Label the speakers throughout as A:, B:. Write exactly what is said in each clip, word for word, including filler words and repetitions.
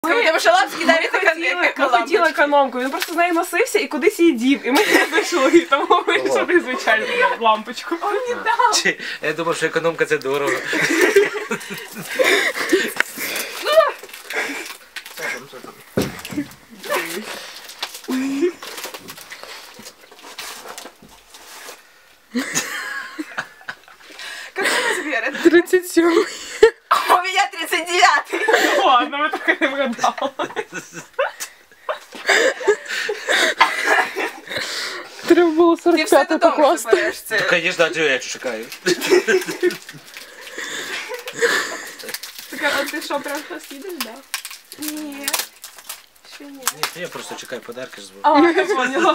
A: Тому що Лапський навіть
B: ми хотіли економку, він просто з нею носився і кудись її дів. І ми не знайшли, тому вирішили звичайно лампочку. Он не дав.
C: Я думав, що економка це дорого.
A: Какой размер?
B: тридцать семь.
A: У меня тридцать девятый.
B: Ладно, ми так і не вгадали. Треба було сорок п'ятий покласти.
C: Ну, звісно, а я чекаю.
B: А ти що, прям зараз їдеш, так?
A: Ні. Ще ні.
C: Ні, я просто чекаю подарки з
B: А, я поняла.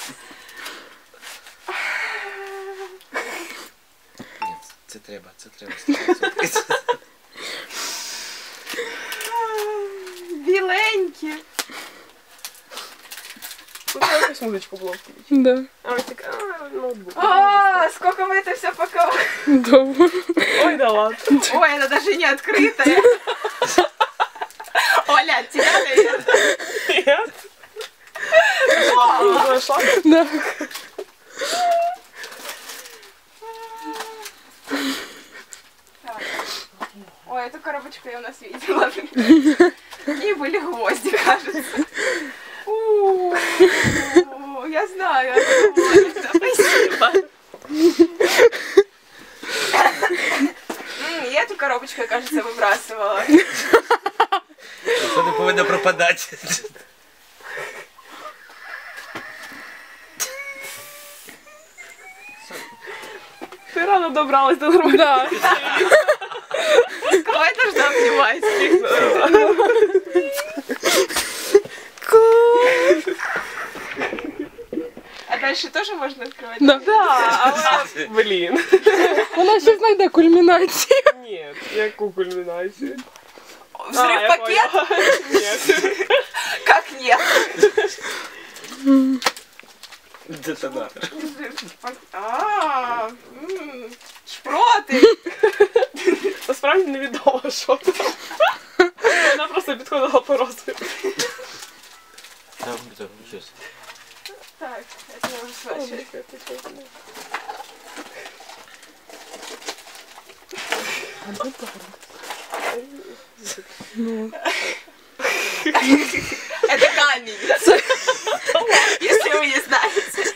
C: Ні, це треба, це треба.
A: Біленькі.
B: Тут якусь музичку було включити. Да. А ось так, а, ноутбук.
A: А, сколько мы это все паковали.
B: Довго. Ой, да ладно.
A: Ой, она даже не открытая. Оля, от тебя, наверное.
B: Нет. Зашла? Да.
A: Ой, эту коробочку я у нас видела. В ней были гвозди, кажется. У-у-у, я знаю, спасибо. Я эту коробочку, кажется, выбрасывала.
C: Це не повинно пропадати.
B: Ты рано добралась до нормального.
A: Кого я должна обнимать? А дальше тоже можно открывать?
B: Да. Да, але, блін. Вона ще знайде кульмінацію. Ні, яку кульмінацію?
A: Взрыв пакет?
B: Нет.
A: Как нет?
C: Детонатор.
A: А, шпроти.
B: Насправді невідомо, що це. Вона просто підходила по розміру.
C: Там, там, щось.
A: Так, это я уже слышу. Это камень. Если вы не знаете.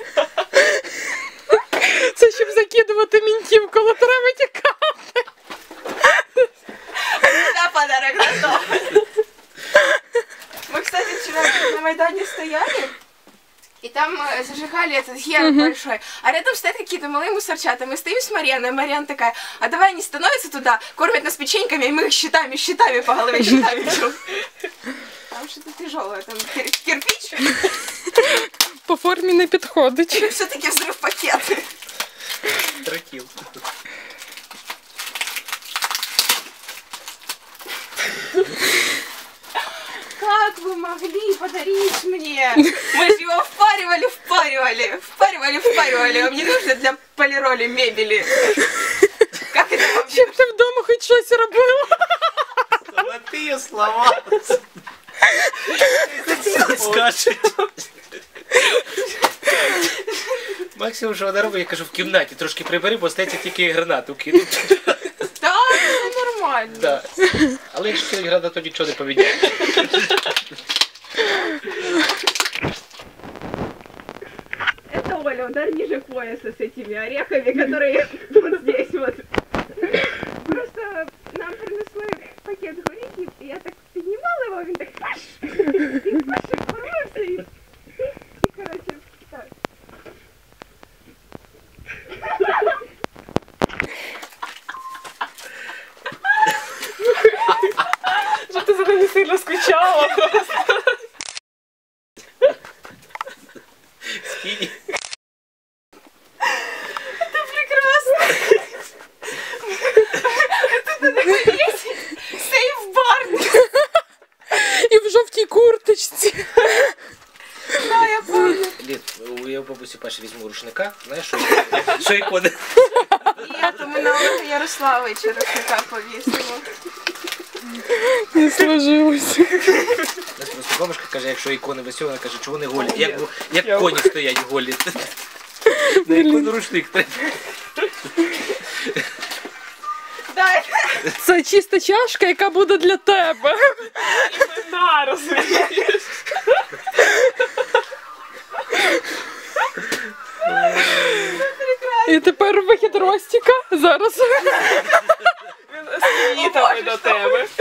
B: Це щоб закидувати мінтів, коли треба тікати.
A: Да, подарок готов. Мы, кстати, вчера на Майдане стояли. И там э, зажигали этот герб uh-huh. большой. А рядом стоят какие-то малые мусорчата. Мы стоим с Марьяной, Марьяна такая, а давай они становятся туда, кормят нас печеньками, и мы их щитами, щитами по голове щитами бьем. Там что-то тяжелое, там кир кирпич.
B: По форме не підходить.
A: Или все-таки взрыв пакет.
C: Тракил.
A: Как вы могли подарить мне? Мы же его впаривали, впаривали, впаривали, впаривали. Вам не нужно для полироли мебели. Как это вообще?
B: Щоб ти вдома хоч щось робила.
C: Золотые слова. Скажуть. Максимум, що вона робить, я кажу, в кімнаті трошки прибери, бо стається тільки гранату кинуть.
A: Так, це нормально.
C: Да. Але якщо кинуть гранату, то нічого не поміняє.
A: Это Оля, удар ниже пояса с этими орехами, которые вот здесь вот. Просто нам принесли пакет горіхів, і я так піднімала його, він так паш, він паш, порвався і, і, коротше, так.
B: Що ти за ними сильно скучала просто.
C: Скинь.
A: Это прекрасно! Это надо повесить! Сейф-бар!
B: І в жовтій курточці.
A: Да, я помню.
C: Лід, я у бабусі Паші візьму рушника, знаєш, що, що ікони?
A: Нет, мы на Олега Ярославовича рушника повесили.
D: Не сложилось.
C: Нас просто бабушка каже, якщо ікони висять, вона каже, чого вони голі? Як, як коні стоять голі. На ікону рушник треба.
D: Це чиста чашка, яка буде для тебе.
B: На, розумієш?
D: І тепер вихід Ростіка. Зараз.
B: Він стоїть до тебе.